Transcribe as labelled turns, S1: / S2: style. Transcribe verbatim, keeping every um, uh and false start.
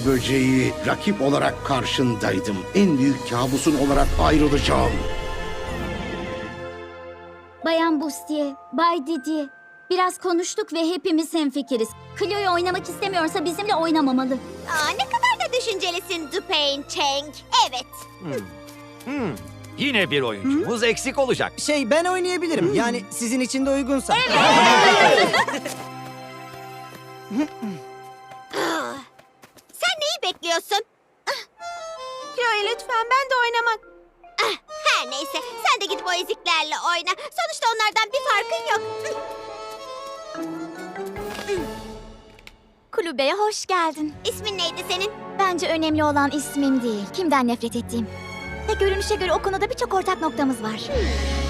S1: böceği rakip olarak karşındaydım. En büyük kabusun olarak ayrılacağım.
S2: Bayan Bustier, Bay Didier. Biraz konuştuk ve hepimiz hemfikiriz. Cleo'yu oynamak istemiyorsa bizimle oynamamalı.
S3: Aa, ne kadar da düşüncelisin Dupain Cheng. Evet.
S4: Hmm. Yine bir oyuncumuz eksik olacak.
S5: Şey ben oynayabilirim. Yani sizin için de uygunsa.
S3: Sen neyi bekliyorsun? Chloe lütfen ben de oynamak. Ah, her neyse sen de gidip o eziklerle oyna. Sonuçta onlardan bir farkın yok.
S2: Kulübeye hoş geldin.
S3: İsmin neydi senin?
S2: Bence önemli olan ismim değil, kimden nefret ettiğim. Ve görünüşe göre o konuda birçok ortak noktamız var.